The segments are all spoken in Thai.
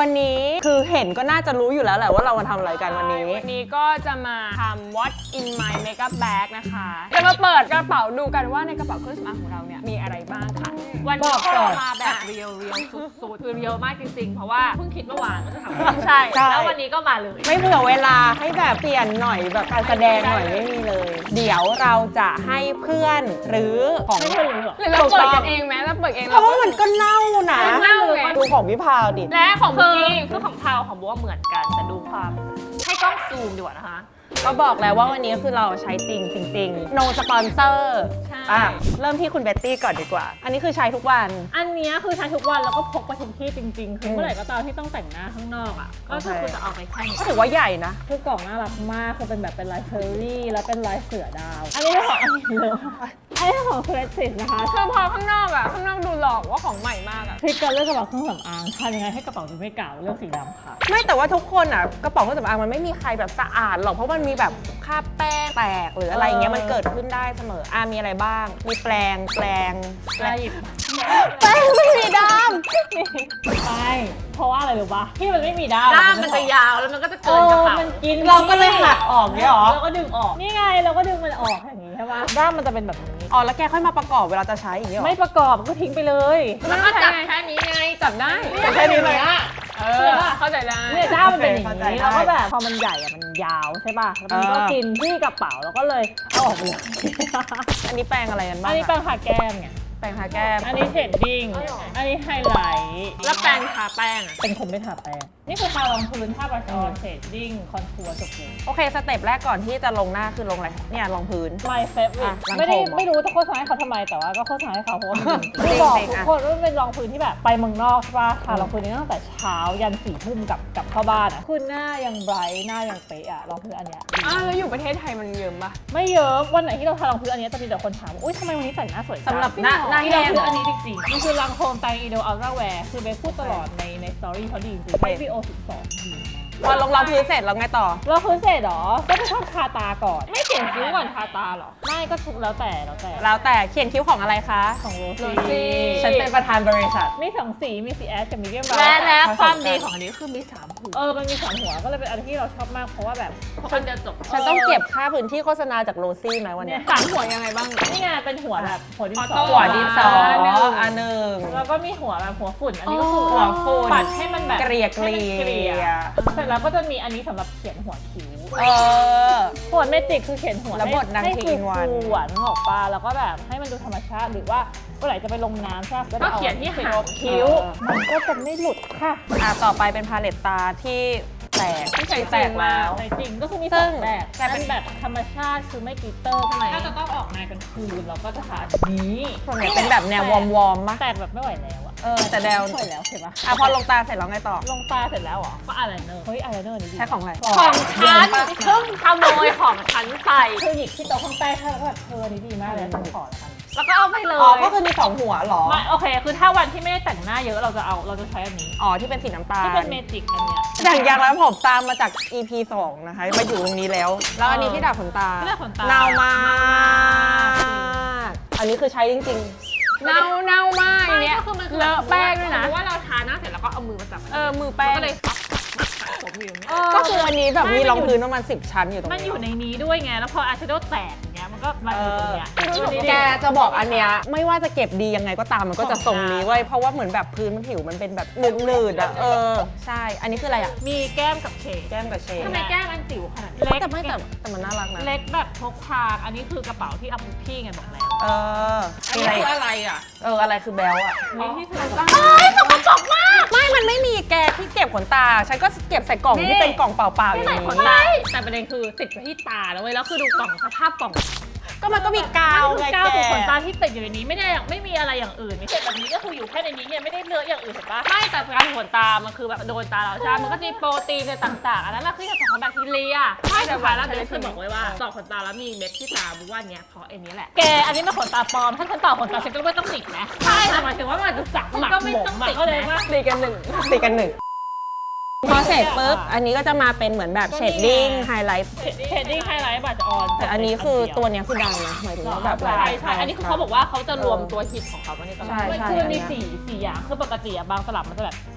วันนี้คือเห็นก็น่าจะรู้อยู่แล้วแหละว่าเรามาทำอะไรกันวันนี้วันนี้ก็จะมาทำ What's in my makeup bag นะคะจะมาเปิดกระเป๋าดูกันว่าในกระเป๋าเครื่องสำอางของเราเนี่ยมีอะไรบ้างค่ะวันนี้เรามาแบบเรียวสุดๆคือเรียวมากจริงๆเพราะว่าเพิ่งคิดเมื่อวานว่าจะทำใช่แล้ววันนี้ก็มาเลยไม่เผื่อเวลาให้แบบเปลี่ยนหน่อยแบบการแสดงหน่อยไม่มีเลย เดี๋ยวเราจะให้เพื่อนหรือของหรือเราเปิดกันเองไหมเราเปิดเองเพราะว่ามันก็เน่านะเน่าไงดูของพี่พาวดิและของเมื่อกี้คือของพาวของบัวเหมือนกันแต่ดูความให้กล้องซูมดีกว่านะคะก็บอกแล้วว่าวันนี้คือเราใช้จริง no sponsor เริ่มที่คุณเบตตี้ก่อนดีกว่า อันนี้คือใช้ทุกวันอันนี้คือใช้ทุกวันแล้วก็พกไปทุกที่จริงๆคือเมื่อไหร่ก็ตามที่ต้องแต่งหน้าข้างนอกอ่ะก็คือจะเอาไปแค่นี้ก็ถือว่าใหญ่นะคือกล่องน่ารักมากคือเป็นแบบเป็นลายเชอรี่แล้วเป็นลายเสือดาวอันนี้เป็นของอันนี้เลยอันนี้ของเครสิตนะคะคือพอข้างนอกอะข้างนอกดูหลอกว่าของใหม่มากอะทริคการเลือกกระเป๋าเครื่องสำอางทำยังไงให้กระเป๋าดูไม่เก่าเลือกสีดำค่ะไม่แต่ว่าทุกคนอ่ะกระเป๋าเครื่องสำอางมันไม่มีใครแบบสะอาดหรอกเพราะมันมีแบบคราบแป้งแตกหรืออะไรอย่างเงี้ยมันเกิดขึ้นได้เสมอมีอะไรบ้าง มีแปรงหยิบแป้งไม่มีดไม่เพราะว่าอะไรรู้ปะที่มันไม่มีด้ามด้ามมันจะยาวแล้วมันก็จะเกินกระเป๋ามันกินำเราก็เลยหักออกเนี่ยหรอเราก็ดึงออกนี่ไงเราก็ดึงมันออกอย่างนี้ใช่ปะด้ามมันจะเป็นแบบนี้อ๋อแล้วแกค่อยมาประกอบเวลาจะใช้อย่างเงี้ยหรอไม่ประกอบก็ทิ้งไปเลยมันก็จับแค่นี้ไงจับได้แค่นี้เลยเข้าใจได้เนี่ยด้ามมันเป็นอย่างเข้าใจนี้ได้แล้วก็แบบพอมันใหญ่อะมันยาวใช่ป่ะแล้วมันก็กินที่กระเป๋าแล้วก็เลยเอาออกไปเลยอันนี้แปรงอะไรกันบ้างอันนี้แปรงทาแก้มไงแปรงทาแก้มอันนี้เชดดิ้งอันนี้ไฮไลท์แล้วแปรงทาแป้งอะเป็นคนไม่ทาแป้งนี่คือทารองพื้นทาบรัชออนเชดดิ้งคอนทัวร์จบเลยโอเคสเต็ปแรกก่อนที่จะลงหน้าคือลงอะไรเนี่ยรองพื้น My favorite หลังไม่ได้โคมเหรอไม่รู้จะโฆษณาให้เขาทำไมแต่ว่าก็โฆษณาให้เขาเพราะว่ามันจคืริอง บอกจริงทุกอะคนว่ามันเป็นรองพื้นที่แบบไปเมืองนอกใช่ป่ะทารองพื้นนี้ตั้งแต่เช้ายัน4 ทุ่มกับเข้าบ้านอ่ะคือหน้ายังไบรท์หน้ายังเป๊ะอ่ะรองพื้นอันเนี้ยแล้วอยู่ประเทศไทยมันเยิมปะไม่เยอะวันไหนที่เราทารองพื้นอันเนี้ยจะมีแต่คนถามว่าอุ้ยทำไมวันนี้ใส่หน้าสวยจังสำหรับหน้าที่แห้เรางคืออันนี้จริงๆมันคือรังโคมไตอีโดอัลตร้าแวร์คือเบสพูดตลอดในสตอรี่เขาดีจริงๆ HBO 12ดีมากพอลงรองพื้นเสร็จแล้วไงต่อเราคือเสร็จเหรอก็จะชอบทาตาก่อนไม่เขียนคิ้วก่อนทาตาเหรอไม่ก็ทุกแล้วแต่แล้วแต่เขียนคิ้วของอะไรคะของโรโรซี่ซี่ฉันเป็นประธานบริษัทมี2 สีมีสีแอชกับมีเดียมและความดีของอันนี้คือมี3หัวมันมี3 หัวก็เลยเป็นอันที่เราชอบมากเพราะว่าแบบคนเดียวจบฉันต้องเก็บค่าพื้นที่โฆษณาจากโรซี่ไหมวันเนี้ย 3หัวยังไงบ้างนี่ไงเป็นหัวแบบหัวดินสอออโต้หัวดินสออันหนึ่งอันหนึ่งแล้วก็มีหัวแบบหัวฝุ่นอันนี้ก็คือหัวฝุ่นปัดให้มันแบบเกลี่ยให้มันเกลี่ยเสร็จแล้วก็จะมีอันนี้สำหรับเขียนหัวคิ้ว หัวเมจิกคือเขียนหัวแล้วบทนางให้ทีฟูนวันๆหวานออกปลาแล้วก็แบบให้มันดูธรรมชาติหรือว่าเมื่อไหร่จะไปลงน้ำใช่ไหมก็เขียนที่หางคิ้วมันก็จะไม่หลุดค่ะต่อไปเป็นพาเลตตาที่แตกที่ใส่แตกแล้วแต่จริงก็คือมีซึ่ง 2 แบบแต่เป็นอันแบบธรรมชาติคือไม่กลิตเตอร์ทำไมถ้าจะต้องออกงานกลางคืนเราก็จะทาอันนี้ส่วนใหญ่เป็นแบบแนววอร์มๆมะแตกแบบไม่ไหวแล้วอะแต่แนวไม่ไหวแล้วเห็นปะพอลงตาเสร็จแล้วไงต่อลงตาเสร็จแล้วเหรอก็อายไลเนอร์เฮ้ยอายไลเนอร์นี่ดีใช้ของอะไรของฉันเพิ่งขโมยของฉันไปคือหยิบที่โต๊ะข้างใต้ให้แล้วก็แบบนี่ดีมากเลยฉันขอแล้วกันแล้วก็เอาไปเลยก็คือมี2หัวเหรอไม่โอเคคือถ้าวันที่ไม่ได้แต่งหน้าเยอะเราจะใช้อันนี้ที่เป็นสีน้ำตาลที่เป็นเมจิกอันเนี้ยอย่างแล้วผมตามมาจาก EP 2 นะคะ มาอยู่ตรงนี้แล้ว แล้วอันนี้ที่ดัดขนตาที่ดัดขนตาเน่ามาก อันนี้คือใช้จริงเน่ามากอันเนี้ยก็คือมันคือเลอะแป้งด้วยนะเพราะว่าเราทาหน้าเสร็จแล้วก็เอามือมาจับมือแป้งก็เลยผมอยู่อย่างนี้ๆ ก็คืออันนี้แบบมีรองพื้นประมาณ10 ชั้นอยู่ตรงมันนี้อยู่ในนี้ด้วยไงแล้วพออายแชโดว์แตกอย่างเงี้ยมันก็มาอยู่ตรงเนี้ยแกจะบอกอันเนี้ยไม่ว่าจะเก็บดียังไงก็ตามมันก็จะทรงนี้เว้ยเพราะว่าเหมือนแบบพื้นผิวมันเป็นแบบหนืดๆอ่ะใช่ อันนี้คืออะไรอ่ะมีแก้มกับเฉดแก้มกับเชดทำไมแก้มมันจิ๋วขนาดนี้เล็กแต่มันน่ารักนะเล็กแบบพกพาอันนี้คือกระเป๋าที่เอาปุ๊พี่ไงบอกแล้วมีอะไรคืออะไรอ่ะอะไรคือแบลอ่ะนี่ที่เธอไม่มันไม่มีแกที่เก็บขนตา ฉันก็เก็บใส่กล่องที่เป็นกล่องเปล่าๆอย่างใส่นี้ขนตาแต่ประเด็นคือติดไว้ที่ตาแล้วเว้ยแล้วคือดูกล่องสภาพกล่องก็มันก็มีกาวมันไงคือกาวแกตัวขนตาที่ติดอยู่ในนี้ไม่มีอะไรอย่างอื่นมีเศษแบบนี้ก็คืออยู่แค่ในนี้เนี่ยไม่ได้เลอะอย่างอื่นเห็นปะไม่แต่การขนตามันคือแบบโดนตาเราใช่มันก็จะมีโปรตีนในต่างๆอันนั้นแหละคือจากของแบคทีเรียไม่แต่ว่าแล้วเบสเคยบอกไว้ว่าต่อขนตาแล้วมีเม็ดที่ตาบุว่าเนี้ยเพราะไอ้นี้แหละแกอันนี้มันขนตาปลอมถ้าฉันต่อขนตาฉันก็ไม่ต้องติดนะใช่แต่หมายถึงว่ามันจะสักหมักหมมก็เลยว่าตีกันหนึ่งพอเสร็จปุ๊บอันนี้ก็จะมาเป็นเหมือนแบบเชดดิ้งไฮไลท์เชดดิ้งไฮไลท์บัตรออนแต่อันนี้คือตัวเนี้ยคือดังนะหมายถึงว่าแบบใช่อันนี้คือเขาบอกว่าเขาจะรวมตัวฮิตของเขาไว้ในตลาดใช่คือมันมี4อย่างคือปกติอะบางตลับมันจะแบบ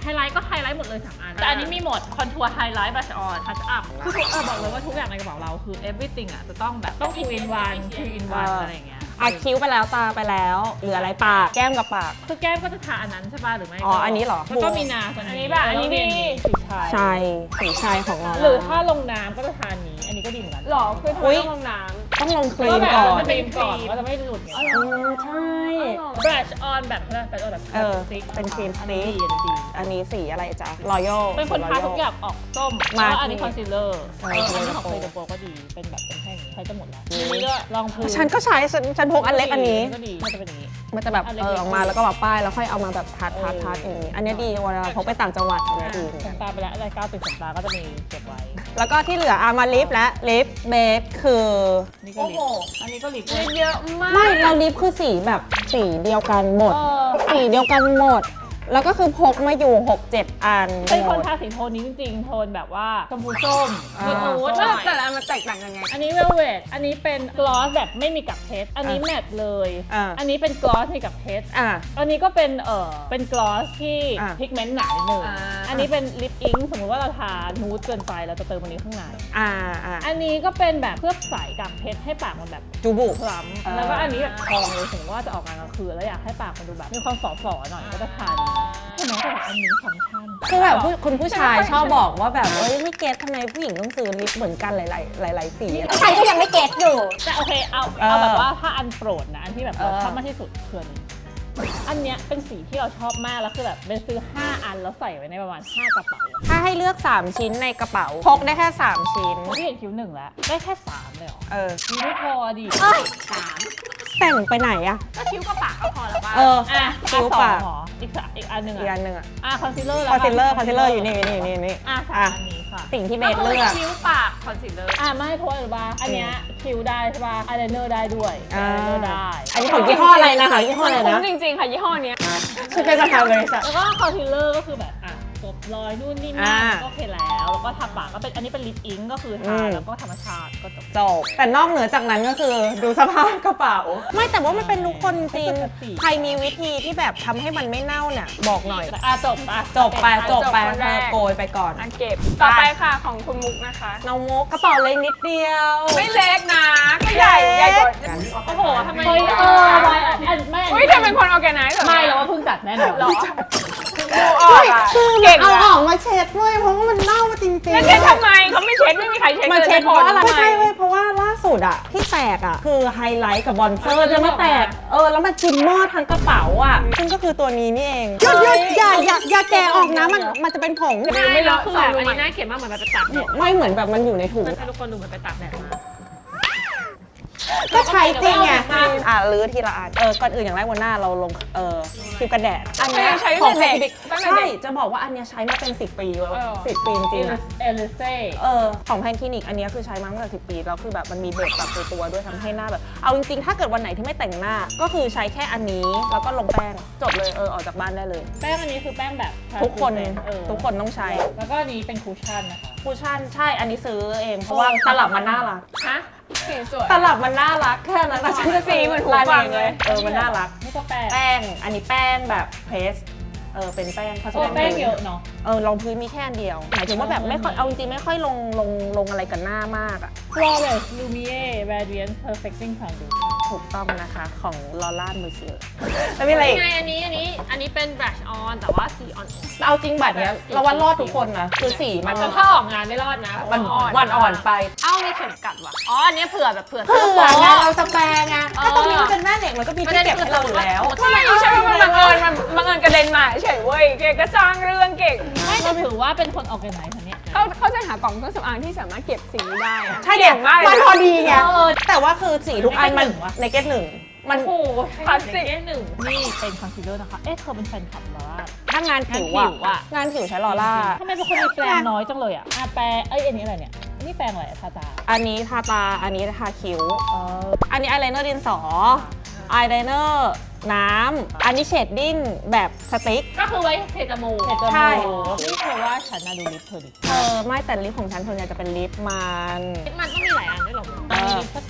ไฮไลท์ก็ไฮไลท์หมดเลย3 อันแต่อันนี้มีหมดคอนทัวร์ไฮไลท์บัชออนทัชอัพคือบอกเลยว่าทุกอย่างในกระเป๋าเราคือ everything อ่ะจะต้องแบบต้อง 2 in 1 3 in 1อะไรอย่างเงี้ยอ่ะคิ้วไปแล้วตาไปแล้วเหลืออะไรปากแก้มกับปากคือแก้มก็จะทาอันนั้นใช่ป่ะหรือไม่อ๋ออันนี้เหรอแล้วก็มีนาตัวอันนี้นี้แบบอันนี้ดีสีชายชายสีชายของเราหรือถ้าลงน้ำก็จะทาอันนี้อันนี้ก็ดีเหมือนกันหรอคือทำไมต้องลงน้ต้องลงครีก็มแบบก่อนมันเป็นก่อนก็จะไม่หลุดไงใช่ำ brush on แบบbrush on แบบเออสติ๊กเป็นครีมสอันติ๊นี้กดีอันนี้ดีอันนี้สีอะไรจ๊ะรอยัลเป็นคนทาทุกอย่างออกส้มมาแล้วอันนี้คอนซีลเลอร์ใช่อันนี้ของเคยโปรก็ดีเป็นแบบเป็นแท่งอย่างนี้ใช้จะหมดแล้วอันนี้ก็ลองพื้นฉันก็ใช้ฉันพกอันเล็กอันนี้ก็ดีมันจะเป็นอย่างนี้มันจะแบบอันเล็กออกมาแล้วก็แบบป้ายแล้วค่อยเอามาแบบทัดอย่างนี้ อันนี้ดีเวลาพกไปต่างจังหวัดอันนี้ดีขนตาไปแล้วอะไรก้าวติดขนตาก็จะมีเก็บไว้แล้วก็ที่เหลือมาลิปและลิปเบสคือนี่ก็ลิปอันนี้ก็ลิปเยอะมากไม่เราลิปคือสีแบบสีเดียวกันหมด สีเดียวกันหมด แล้วก็คือพกมาอยู่ 6-7 อันเป็นคนหมดทาสีโทนนี้จริงๆ โทนแบบว่าชมพูส้มอ่านูดๆหแล้น่วอยแต่ละอันมันแตกต่างกันไงอันนี้เวลเวทอันนี้เป็นกลอสแบบไม่มีกับเพชรอันนี้แมตต์เลย อันนี้เป็นกลอสมีกับเพชรอ่ะอันนี้ก็เป็นกลอสที่อ่ะพิกเมนต์หนานิดนึงอ่าอันนี้เป็นลิปอิงค์สมมติว่าเราทานูดเกินไปเราจะเติมอันนี้ข้างในอ่าอันนี้ก็เป็นแบบเคลือบใสกับเพชรให้ปากมันแบบจูบุคล้ำแล้วก็อันนี้แบบทองเลยสมมติว่าจะออกงานกลางคืนแล้วอยากให้ปากมันดูแบบมีความฝ่อๆหน่อยก็จะทาใช่ไหมแต่แบบอันนี้ฟังก์ชันคือแบบคุณผู้ชายชอบบอกว่าแบบไม่เก็ตทำไมผู้หญิงต้องซื้อลิปเหมือนกันหลายสีใครก็ยังไม่เก็ตอยู่แต่โอเคเอาเออแบบว่าถ้าอันโปรดนะอันที่แบบเราเออชอบมากที่สุดคืออันเนี้ยเป็นสีที่เราชอบมากแล้วคือแบบเป็นซื้อ5 อันแล้วใส่ไว้ในประมาณ5 กระเป๋าถ้าให้เลือก 3 ชิ้นในกระเป๋า พกได้แค่ 3 ชิ้นที่เห็นคิ้ว1แล้วได้แค่3เลยเหรอเออมีไม่พอดิแต่งไปไหนอะก็คิ้วกับปากก็พอแล้วป่ะเอออ่ะคิ้วปากหรออีกอันหนึ่งอีกอันหนึ่งอะคอนซีลเลอร์แล้วคอนซีลเลอร์อยู่นี่อ่ะ3 อันนี้ค่ะสิ่งที่เบก็สคือเลือกคิ้วปากคอนซีลเลอร์ไม่เพราะอะไรรู้ป่ะอันเนี้ยคิ้วได้ใช่ป่ะอายไลเนอร์ได้ด้วยอายไลเนอร์ได้อันนี้ของยี่ห้ออะไรนะคะยี่ห้ออะไรคุ้นะมจริงๆค่ะยี่ห้อเนี้ยชื่อเป็นประธานบริษัทแล้วก็คอนซีลเลอร์ก็คือแบบกบรอยนู่นนี่นั่นอ่าก็โอเคแล้วก็ทาปากก็เป็นอันนี้เป็นลิปอิงค์ก็คือทาแล้วก็ธรรมชาติก็จบจบแต่นอกเหนือจากนั้นก็คือดูสภาพกระเป๋า ไม่แต่ว่ามันเป็นทุกคนจริงปกติใครมีวิธีที่แบบทำให้มันไม่เน่าเนี่ยบอกหน่อยจบจบไปจบคนเธแรอก โกยไปก่อนอันเก็บ ต่อไปค่ะของคุณมุกนะคะน้องมุกกระเป๋าเล็กนิดเดียวไม่เล็กนะก็ใหญ่กว่าโอ้โหทำไมเฮ้ยไม่อุ้ยเธอเป็นคนออร์แกไนซ์เหรอไม่เราว่าเพิ่งจัดแน่นอนหรอดูออกอะคือเก่งเอาอะออกมาเช็ดด้วยเพราะว่ามันเน่าจริงๆแล้วเช็ดทำไมเขาไม่เช็ดไม่มีใครเช็ดมันเช็ดเพราะอะไรไม่ไม่ใช่เว้ยเพราะว่าล่าสุดอะที่แตกอะคือไฮไลท์กับบอนเซอร์จะมาแตกแล้วมันชิมเมอร์ทั้งกระเป๋าอะซึ่งก็คือตัวนี้นี่เองอย่าแกะออกนะมันจะเป็นผงไม่แล้วคือแบบอันนี้น่าเกลียดมากเหมือนแบบไปตากแดดไม่เหมือนแบบมันอยู่ในถุงให้ทุกคนดูเหมือนไปตากแดดมาก็ใช้จริงไงไม่เอาลื้อทีละอันก่อนอื่นอย่างแรกวันหน้าเราลงครีมกันแดดอันเนี้ยใช้ของตั้งแต่เด็กใช่จะบอกว่าอันเนี้ยใช้มาเป็น10 ปีแล้ว10 ปีจริงๆอะเอลิเซ่ของแพนคลินิกอันเนี้ยคือใช้มาตั้งแต่10 ปีแล้วคือแบบมันมีเบสปรับตัวด้วยทำให้หน้าแบบเอาจริงๆถ้าเกิดวันไหนที่ไม่แต่งหน้าก็คือใช้แค่อันนี้แล้วก็ลงแป้งจบเลยออกจากบ้านได้เลยแป้งอันนี้คือแป้งแบบทุกคนต้องใช้แล้วก็อันนี้เป็นคูชั่นนะคะคูชั่นใช่อันนี้ซื้อเองเพราะว่าตลับมันน่ารักฮะสีสวยตลับมันน่ารักแค่นั้นนะฉันจะสีเหมือนหูฟังเลยมันน่ารักนี่ก็แป้งแป้งอันนี้แป้งแบบเพรสเป็นแป้งผสมแป้งเยอะเนาะรองพื้นมีแค่อันเดียวหมายถึงว่าแบบไม่ค่อยเอาจริงๆไม่ค่อยลงอะไรกับหน้ามากอ่ะ Flawless Lumiere Radiance Perfecting Foundation ถูกต้องนะคะของลอร่ามือเชียแล้วมีอะไรอีกไงอันนี้เป็น brush on แต่ว่าสีอ่อนเอาจริงบัตรเนี้ยเราว่ารอดทุกคนนะคือสีมันแต่ถ้าออกงานไม่รอดนะมันอ่อนไปเอ้ามีเข็มกัดว่ะอ๋ออันนี้เผื่อแบบเผื่อเผื่อโป๊ะไงเราสแปรไงถ้าตรงนี้มันเป็นแม่เหล็กมันก็มีที่เก็บให้เราอยู่แล้วไม่ใช่ว่ามันบังเอิญกระเด็นมาเฉยเว้ยเก่งก็สร้างเรื่องเก่งไม่จะถือว่าเป็นคนออกกันไหนคนเนี้ยเขาจะหากล่องเครื่องสำอางที่สามารถเก็บสีนี้ได้อะใช่เด็ดมากเลยมันพอดีไงเออแต่ว่าคือสีทุกอันมันในเก็ตหนึ่งวะในเก็ตหนึ่งมันโอ้โหคลาสสิก 1นี่เป็นคอนซีลเลอร์นะคะ เธอเป็นแฟนคลับลอร่าถ้างานผิวงานผิวอะงานผิวใช้ลอร่าทำไมเป็นคนมีแปรงน้อยจังเลยอ่ะแปรงอันนี้อะไรเนี่ยนี่แปรงอะไรทาตาอันนี้ทาตาอันนี้ทาคิ้วเอออันนี้อายไลเนอร์ดินสออายไลเนอร์น้ำอันนี้เชดดิ้งแบบสติ๊กก็คือไว้เทจมูกใช่นี่เธอว่าฉันน่ะดูลิปเธอดิไม่แต่ลิปของฉันส่วนใหญ่จะเป็นลิปมันลิปมันต้องมีหลายอันด้วยเหรอมันมีลิปส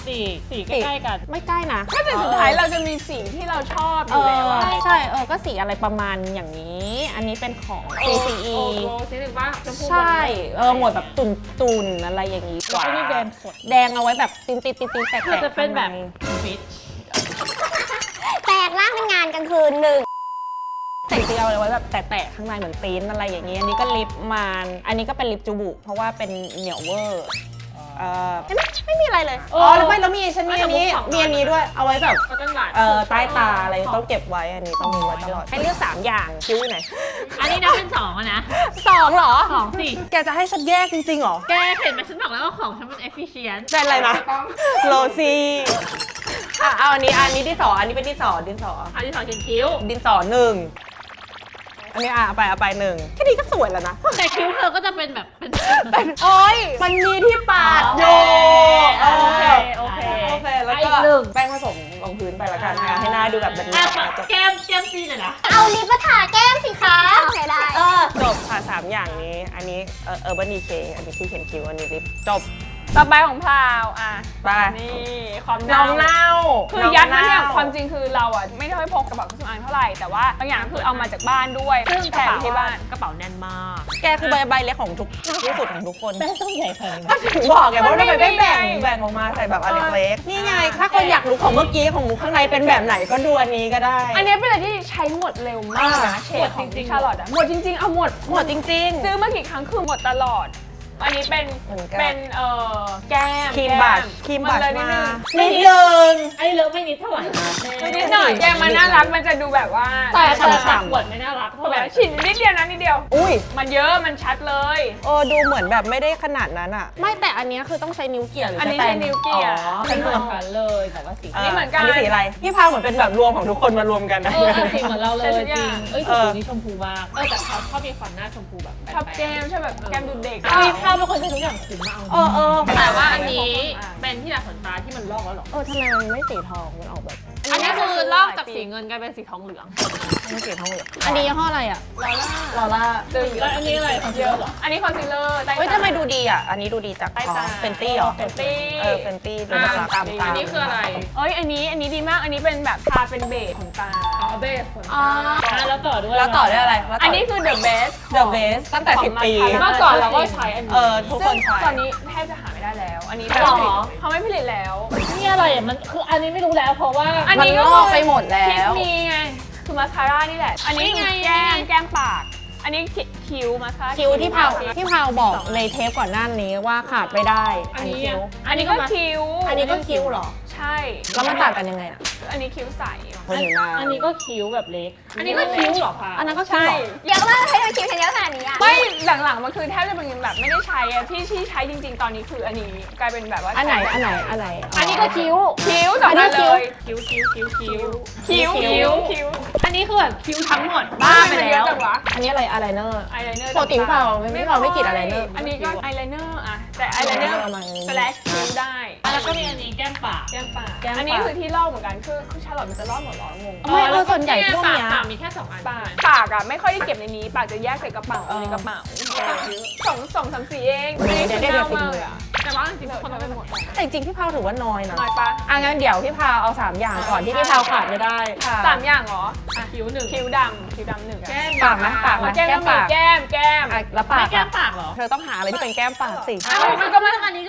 สีใกล้ๆกันไม่ใกล้นะก็แต่สุดท้ายเราจะมีสีที่เราชอบอยู่แล้วอะใช่ก็สีอะไรประมาณอย่างนี้ อันนี้เป็นของ CCE โอ้สีหนึ่งว่าชมพูใช่ หมวดแบบตุนๆอะไรอย่างนี้แล้วก็มีแดงสดแดงเอาไว้แบบตินแตกๆมันจะเป็นแบบข้างใฟิชแตกล่างเป็นงานกลางคืนหนึ่งแต่จริงๆเอาไว้แบบแตะๆข้างในเหมือนตีนอะไรอย่างนี้ อันนี้ก็ลิปมันอันนี้ก็เป็นลิปจูบุเพราะว่าเป็นเหนียวเวอร์เห็นไหมไม่มีอะไรเลยแล้วไม่แล้วมีฉันมีอันนี้ด้วยเอาไว้แบบก็ต้องหวานใต้ตาอะไรต้องเก็บไว้อันนี้ต้องมีไว้ตลอดให้เลือก3อย่างคิ้วไหนอันนี้นับเป็น2อะนะ 2เหรอ 2สิแกจะให้ฉันแยกจริงๆเหรอแกเห็นไหมฉันบอกแล้วว่าของฉันมัน efficient เป็นอะไรนะโรซี่เอาอันนี้ที่2อันนี้เป็นที่2ดินสออันที่2เขียนคิ้วดินสอ1อันนี้เอาไป1แค่นี้ก็สวยแล้วนะแต่คิ้วเธอก็จะเป็นแบบเป็นโอ้ยมันมีที่ปาดโยโอเคแล้วก็แป้งผสมลงพื้นไปละกันให้หน้าดูแบบเป็นแก้มซีเลยนะเอาลิปมาทาแก้มสิคะโอเคได้จบค่ะ3อย่างนี้ อันนี้Urban Decay อันนี้ที่เขียนคิ้วอันนี้ลิปจบต่อไปของพราวอ่ะไปนี่ความน้องเน่าคือยัดมาเนี่ยความจริงคือเราอ่ะไม่ได้ค่อยพกกระเป๋าเครื่องสำอางเท่าไหร่แต่ว่าบางอย่างคือเอามาจากบ้านด้วย ซึ่งกแถระมเป๋าที่บ้านกระเป๋าแน่นมากแกคือใบเล็กของทุกที่สุดของทุกคนแม่ต้องใหญ่ขนาดนี้ก็ถึงบอกไงว่าทำไมไม่แบ่งออกมาใส่แบบอันเล็กๆนี่ไง ถ้าคนอยากรู้ของเมื่อกี้ของมุกข้างในเป็นแบบไหนก็ดูอันนี้ก็ได้อันนี้เป็นอะไรที่ใช้หมดเร็วมากนะเฉดของชาลอตอะหมดจริงๆเอาหมดหมดจริงซื้อมากี่ครั้งคือหมดตลอด อันนี้เป็นเหมือนกันเป็นแก้มครีมบัชเลยนิดมานึงนิดนึงไอ้เลิฟไม่นิดเท่าไหร่นิดหน่อยแก้มมันน่ารักมันจะดูแบบว่าแต่ฉ่ำๆขวดไม่น่ารักเท่าไหแบร่บชิ้นนิดเดียวนะนิดเดียวอุ้ยมันเยอะมันชัดเลยดูเหมือนแบบไม่ได้ขนาดนั้นอ่ะ ไม่แต่อันนี้คือต้องใช้นิ้วเกี่ยหรืออัอันนี้ใช้นิ้วเกี่ยเป็นเหมือนกันเลยแต่ว่าสีอันนี้เหมือนกันอันนี้สีอะไรพี่พาวเหมือนเป็นแบบรวมของทุกคนมารวมกันนะสีเหมือนเราเลยจริงเอ้ยเอสีอนี้ชมพูมากแต่เขาชอบมีความหน้าชมพูแบบชอบแก้มชอบแบบแก้มดูเด็กมีภาพเป็นคนใช้ทุกอย่างคุ้มมาก แต่ว่าอันนี้เป็นที่ดัดขนตาที่มันลอกแล้วหรอทำไมมันไม่สีทองมันออกแบบอันนี้คือลอกจากสีเงินกลายเป็นสีทองเหลืองไม่สีทองเหลืองอันนี้ยี่ห้ออะไรอ่ะลอล่าแล้วอันนี้อะไรคอนซีลเลอร์เหรออันนี้คอนซีลเลอร์ใต้เฮ้ยตาทำไมดูดีอ่ะอันนี้ดูดีจากใต้ตาเฟนตี้หรอเฟนตี้เฟนตี้ดูน่ารักตามตาอันนี้คืออะไรเอ้ยอันนี้ดีมากอันนี้เป็นแบบทาเป็นเบสของตาอ๋อเบสขนตาแล้วต่อด้วยแล้วต่อด้วยอะไรอันนี้คือ the best The Best ตั้งแต่ 10 ปีเมื่อก่อนเราก็ใช้อันนี้ทุกคซึ่นงใช้ตอนนี้แทบจะหาไม่ได้แล้ว อันนี้หรอเขาไม่ผลิตแล้วนี่อะไรอ่ะมันคืออันนี้ไม่รู้แล้วเพราะว่าอันนี้ก็มันลอกไปหมดแล้วคิสมีไงคือมาสคาร่านี่แหละ อันนี้คือแก้มปาก อันนี้คิ้วมาสคาร่าคิ้วที่พาวบอกในเทปก่อนหน้านี้ว่าขาดไม่ได้อันนี้คิ้วอันนี้ก็คิ้วอันนี้ก็คิ้วเหรอใช่แล้วมันต่างกันยังไงอ่ะอันนี้คิ้วใสคนอยู่หน้าอันนี้ก็คิ้วแบบเล็ก อันนี้ก็คิ้วเหรอคะอันนั้นก็คิ้วใช่เหรอเยอะมากให้เราคิวฉันเยอะขนาดนี้อ่ะไม่หลังๆมันคือแทบจะเป็นแบบไม่ได้ใช้อะที่ใช้จริง ๆ ตอนนี้คืออันนี้กลายเป็นแบบว่าอันไหนใช้อันนี้ก็คิ้วคิ้วสองอันเลยคิ้วคิ้วคิ้ว อันนี้คือแบบคิ้วทั้งหมดบ้าไปมันเยแล้วอะจังวะอันนี้อะไรอะไรเนอร์อายไลเนอร์ปกติเราไม่กรีดอายไลเนอร์อันนี้ก็อายไลเนอร์อะแต่อายไลเนอร์ประมาณนี้สแลชคิ้วได้แล้วก็มีอันนี้แก้มปากแก้มปากแก้มปากอันนี้คือที่ลอกเหมือนกันคือชาลอตมันจะลอกหมดเหรองงไม่ส่วนใหญ่พวกเนี้ยปากมีแค่2 อันปากอะไม่ค่อยได้เก็บในนี้ปากจะแยกใส่กระเป๋าในกระเป๋าสองสามสี่เองอันนี้คือเน่ามากเลยอะแต่ว่าจริงๆคนต้องไปหมดแต่จริงๆพี่พาวถือว่าน้อยนะน้อยปะงั้นเดี๋ยวพี่พาวเอา3อย่างก่อนที่พี่พาวขาดไม่ได้สามอย่างเหรอคิ้วหนึ่งคิ้วดำหนึ่งอะปากนะปากนะแก้มก็มีแก้มแล้วปาไม่กแก้อะมปากเหรอเธอต้องหาอะไรที่เป็นแก้มปากสิมันก็ไม่อันนี้ก็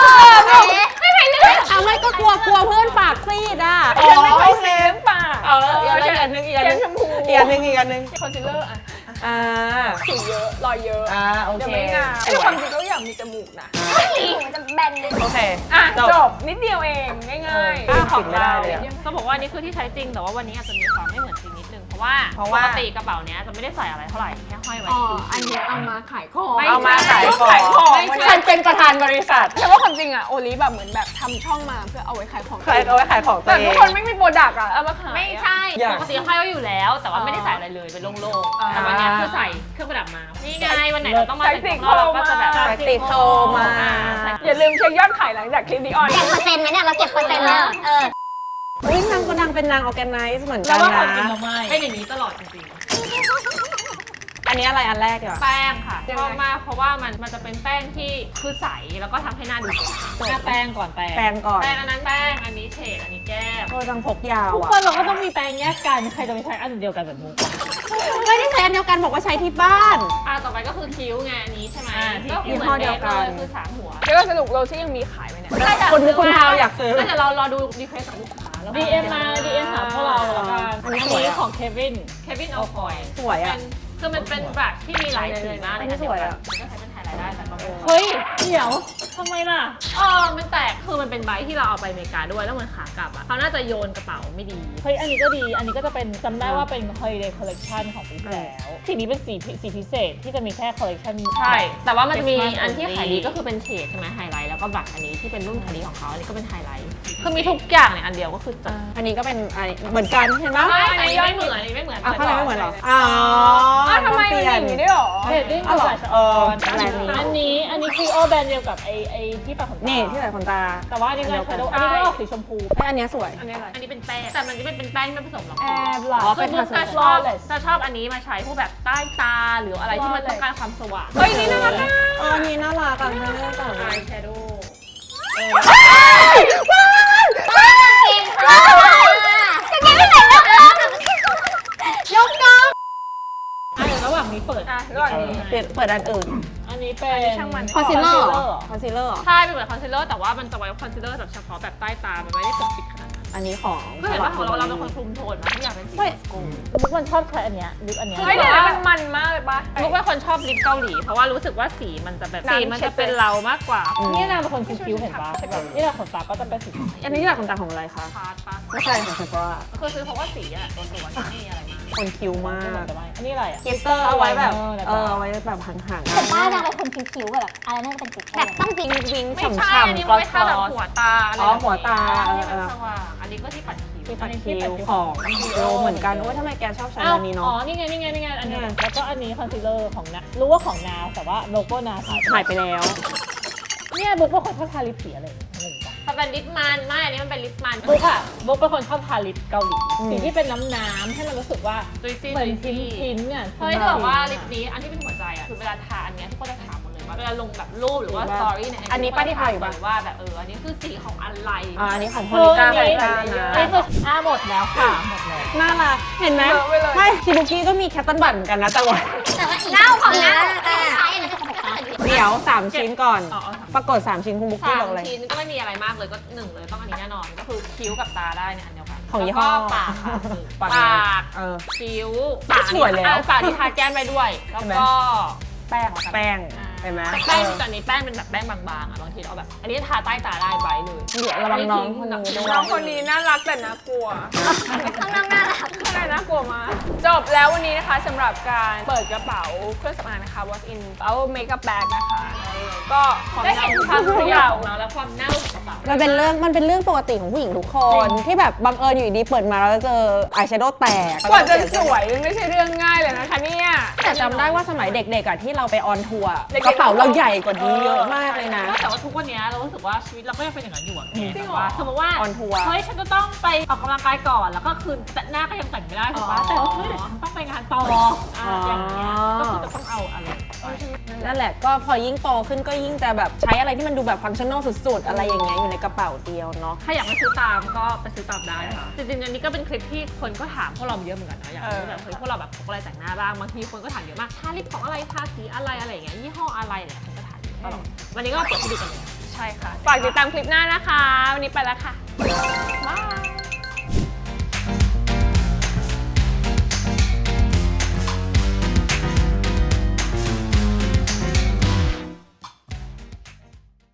เอาไม่ก็กลัวเพื่อนปากซีดอ่ะไม่ค่อยเซฟปากอีกอันนึงแก้มชมพูอีกอันนึงคอนซีลเลอร์อะสิวสิวเยอะรอยเยอะโอเดี๋ยวเคไม่งามแต่ความจริงก็อยากมีจมูกนะมันจะแบนเลยโอเคจบนิดเดียวเองง่ายของเราต้องบอกว่านี่คือที่ใช้จริงแต่ว่าวันนี้อาจจะมีความไม่เหมือนจริงนิดนึงเพราะว่าปกติกระเป๋าเนี้ยจะไม่ได้ใส่อะไรเท่าไหร่แค่ห้อยไว้อันนี้เอามาขายของเอามาขายของฉันเป็นประธานบริษัทแต่ว่าความจริงอะโอลิแบบเหมือนแบบทำช่องมาเพื่อเอาไว้ขายของเอาไว้ขายของตัวแต่เอทุกงคนไม่มีโปรดักต์อะเอามาขายไม่ใช่ปกติห้อยไว้อยู่แล้ว แต่ว่าไม่ได้ใส่อะไรเลยเป็นโล่งๆแต่วันนี้คือใส่เครื่องประดับมานี่ไงวันไหนเราต้องมาแต่งตัวเราก็จะแบบติดโทรมาอย่าลืมเช็คยอดขายหลังจากคลิปนี้ออนเก็บเปอร์เซ็นต์ไหมเนี่ย เราเก็บเปอร์เซ็นต์แล้วอุ้ยนางเป็นนางออร์แกไนซ์เหมือนกัแล้วนว่าของนะจริงเราไม่เป็นอย่างนี้ตลอดจริงอันอันนี้อะไรอันแรกดีกว่าแป้งค่ะชอบมากเพราะว่ามันจะเป็นแป้งที่คือใสแล้วก็ทำให้หน้าดูสดหน้าแป้งก่อนแป้งแปรงก่อนแป้งอันนั้นแป้งอันนี้เฉดอันนี้แก้มจังพกยาวทุกอ่ะคนเราก็ต้องมีแป้งแยกกันใครจะไปใช้อันเดียวกันแบบมุกไม่ได้ใช้อันเดียวกันบอกว่าใช้ที่บ้านต่อไปก็คือคิ้วไงอันนี้ใช่ไหมที่ก็ยี่ห้อเดียวกันคือสามหัวเดี๋ยวเราสรุปโรซี่ยังมีขายไหมเนี่ยคนมุกคนพาวอยากซื้อแล้วเดี๋ยวเรารอดูรีเควสจากลูกค้าแล้ว DM มา DM หาพวกเราแล้วกันอัอันนนี้นี้สวยอะของเควินเควินเอาคอยสวยอะคือมันเป็นแบบที่มีหลายสีมากอันนี้สวยอะมันก็ใช้เป็นไฮไลท์ได้แต่ก็ไม่เฮ้ยเดี๋ยวทำไมล่ะมันแตกคือมันเป็นใบที่เราเอาไปอเมริกาด้วยแล้วมันขากลับอ่ะเขาน่าจะโยนกระเป๋าไม่ดีเฮ้ยอันนี้ก็ดี อันนี้ก็จะเป็นจำได้ว่าเป็น holiday collection ของปีที่แล้วสีนี้เป็นสีพิเศษที่จะมีแค่ collection ใช่ แต่ว่ามันจะมี Christmas อันที่ only ขายดีก็คือเป็นเฉดใช่ไหมไฮไลท์แล้วก็บัตรอันนี้ที่เป็นรุ่นขายดีของเขาอันนี้ก็เป็นไฮไลท์คือมีทุกอย่างในอันเดียวก็คือจบอันนี้ก็เป็นอันนี้เหมือนกันเห็นไหมอันนี้ไม่เหมือนอันนี้ไม่เหมือนอ้าวข้างในไม่เหมือนเหรออ๋อทำไมมันมีอย่างนี้ด้วยเหรอเรดดิ้งอ๋อเหรอสายสะเออออนแบรนด์นี้อันนี้คือโอแบรนด์เดียวกับไอที่ปะขนตานี่ที่ใส่ขนตาแต่ว่าอันนี้ไงชาโดว์อันนี้ก็ออกสีชมพูไอยอันเนี้ยสวยอันนี้อะไรอันนี้เป็นแป้งแต่มันจะไม่เป็นแป้งที่ไม่ผสมหรอกแอบหลัอ๋อเป็นคือผสมจะชอบอันนี้มาใช้พวกแบบใต้ตาหรืออะไรที่มันต้องการความสว่างเฮ้ยนี่น่ารักอะอันนี้น่ารักอ่ะไม่ได้ต่างอายแชโดว์เก่งค่ะจะเก่งไม่ไหนแล้วยกน้องอ่ะเดี๋ยวระหว่างนี้เปิดระหว่างนี้เปิดอันอื่นอันนี้เป็นช่างมันคอนซีลเลอร์เหรอคอนซีลเลอร์ใช่เป็นเหมือนคอนซีลเลอร์แต่ว่ามันจะไว้คอนซีลเลอร์แบบเฉพาะแบบใต้ตา มันไม่ได้ปกปิดขนาดนั้นอันนี้ของคือเห็นว่าของเราเป็นคนคลุมโทนนะทุกอย่างเป็นสีเฮ้ยมุกมันชอบใช้อันเนี้ยลิปอันเนี้ยเฮ้ยเดี๋ยวนะมันมากเลยปะมุกเป็นคนชอบลิปเกาหลีเพราะว่ารู้สึกว่าสีมันจะแบบสีมันจะเป็นเรามากกว่านี่นางเป็นคนคิ้วๆเห็นปะแบบนี่แหละขนตาก็จะเป็นสีอันนี้ที่แบบขนตาของอะไรคะพาร์ทปะไม่ใช่ของเซฟราคือซื้อเพราะว่าสีอะตัวไม่มีอะไรมากคนคิ้วมากแต่ว่าอันนี้อะไรอ่ะเกสเตอร์เอาไว้แบบเอาไว้แบบห่างแต่ป้านางเป็นคนคิ้วๆแบบอะไรน่าจะเป็นจุดแบบต้องวิงวิงๆไม่ฉ่ำใช่อันนี้ๆมันก็ไว้ทาแบบหัวตาอะไรอ๋อหัวตาที่มันสว่างอันนี้ก็ที่ปัดคิ้วที่ปัดคิ้วของโรเหมือนกันโอ้ยทำไมแกชอบใช้อันนี้อ๋อเนาะนี่ไงอันนี้แล้วก็อันนี้คอนซีลเลอร์ของนารู้ว่าของนาแต่ว่าโลโก้นาหายไปหายไปแล้วเนี่ยบุ๊กเป็นคนชอบทาลิปสีอะไรงงปะมันเป็นลิปมันไม่อันนี้มันเป็นลิปมันบุ๊กเป็นคนชอบทาลิปเกาหลีสีที่เป็นน้ำให้มันรู้สึกว่าจุยซี่เหมือนจุยซี่ชิ้นเนี่ยเฮ้ยจะบอกว่าลิปนี้อันที่เป็นหัวใจอ่ะคือเวลาทาอันเนี้ยทุกคนจะถามหมดเลยว่าเวลาลงแบบรูปหรือว่าสตอรี่ในอันนี้ป้าที่ถ่ายอยู่ปะว่าแบบอันนี้คือสีของอะไรอันนี้ของโพคือลิอัก้านนี้แฟอันชั่นนี้นะคือหมดแล้วค่ะหมดแล้วน่ารักเห็นไหมเยอะไปเลยไม่คิบุกี้ก็มีแคตตันบัตเหมือนกันนะแต่ว่าแต่ว่าเน่าของเน่าใช้อันนี้ของเขาเดี๋ยว 3 ชิ้นก่อนอ๋อปรากฏ 3 ชิ้นคุณบุ๊กกี้สาบอกมเลยชิ้นก็ไม่มีอะไรมากเลยก็หนึ่งเลยต้องอันนี้แน่นอนก็คือคิ้วกับตาได้เนี่ยอันเดียวกันของยี่ห้อแล้วก็ปากค่ะปากปากเออคิ้วสวยแล้วปากที่ทาแก้มไปด้วยแล้วก็แป้งเห็นไหมแป้งตอนนี้แป้งเป็นแบบแป้งบางๆอ่ะบางทีเราแบบ อันนี้ทาใต้ตาได้ไว้เลยเดี๋ยวระวังน้องคนนี้ด้วยน้องคนนี้น่ารักแต่น่ากลัวข้างนอกน่ารักข้างในน่ากลัวมากจบแล้ววันนี้นะคะสำหรับการเปิดกระเป๋าเครื่องสำอางนะคะ What's in our makeup bag นะคะก็ความได้เน่าเห็นความทุเปกรี้อยวย่างของเราและความเน่าของกระเป๋ามันเป็นเรื่องปกติของผู้หญิงทุกคน ที่แบบบังเอิญอยู่ดีเปิดมาแล้วเจออายแชโดว์แตกกว่าจะสวยมันไม่ใช่เรื่องง่ายเลยนะคะเนี่ยแต่จำได้ว่าสมัยเด็กๆอะที่เราไปออนทัวร์กระเป๋าเราใหญ่กว่านี้เยอะมากเลยนะแต่ว่าทุกวันนี้เรารู้สึกว่าชีวิตเราก็ยังเป็นอย่างนั้นอยู่อะแกจริงแบบเหรอว่าสมมติว่าออนทัวร์เฮ้ยฉันจะต้องไปออกกำลังกายก่อนแล้วก็คือหน้าก็ยังแต่งไม่ได้ถูกปะแต่เฮ้ยเดี๋ยวฉันต้องไปงานต่ออย่างเงี้ยก็คือจะต้องเอาอะไรไปนั่นแหละก็พอยิ่งโตขึ้นก็ยิ่งจะแบบใช้อะไรที่มันดูแบบฟังชั่นอลสุดๆ อะไรอย่างเงี้ยอยู่ในกระเป๋าเดียวเนาะถ้าอยากไปซื้อตามก็ไปซื้อตามได้ค่ะจริงๆอันนี้ก็เป็นคลิปที่คนก็ถามพวกเราเยอะเหมือนกันนะอยากรู้แบบเฮ้ยพวกเราแบบพกอะไรแต่งหน้าบ้างบางทีคนก็ถามเยอะมากทาลิปของอะไรทาสีอะไรอะไรอย่างเงี้ยยี่ห้ออะไรเนี่ยคนก็ถามเยอะตลอดวันนี้ก็เปิดให้ดูกันเลยใช่ค่ะ ฝากติดตามคลิปหน้านะคะ วันนี้ไปแล้วค่ะ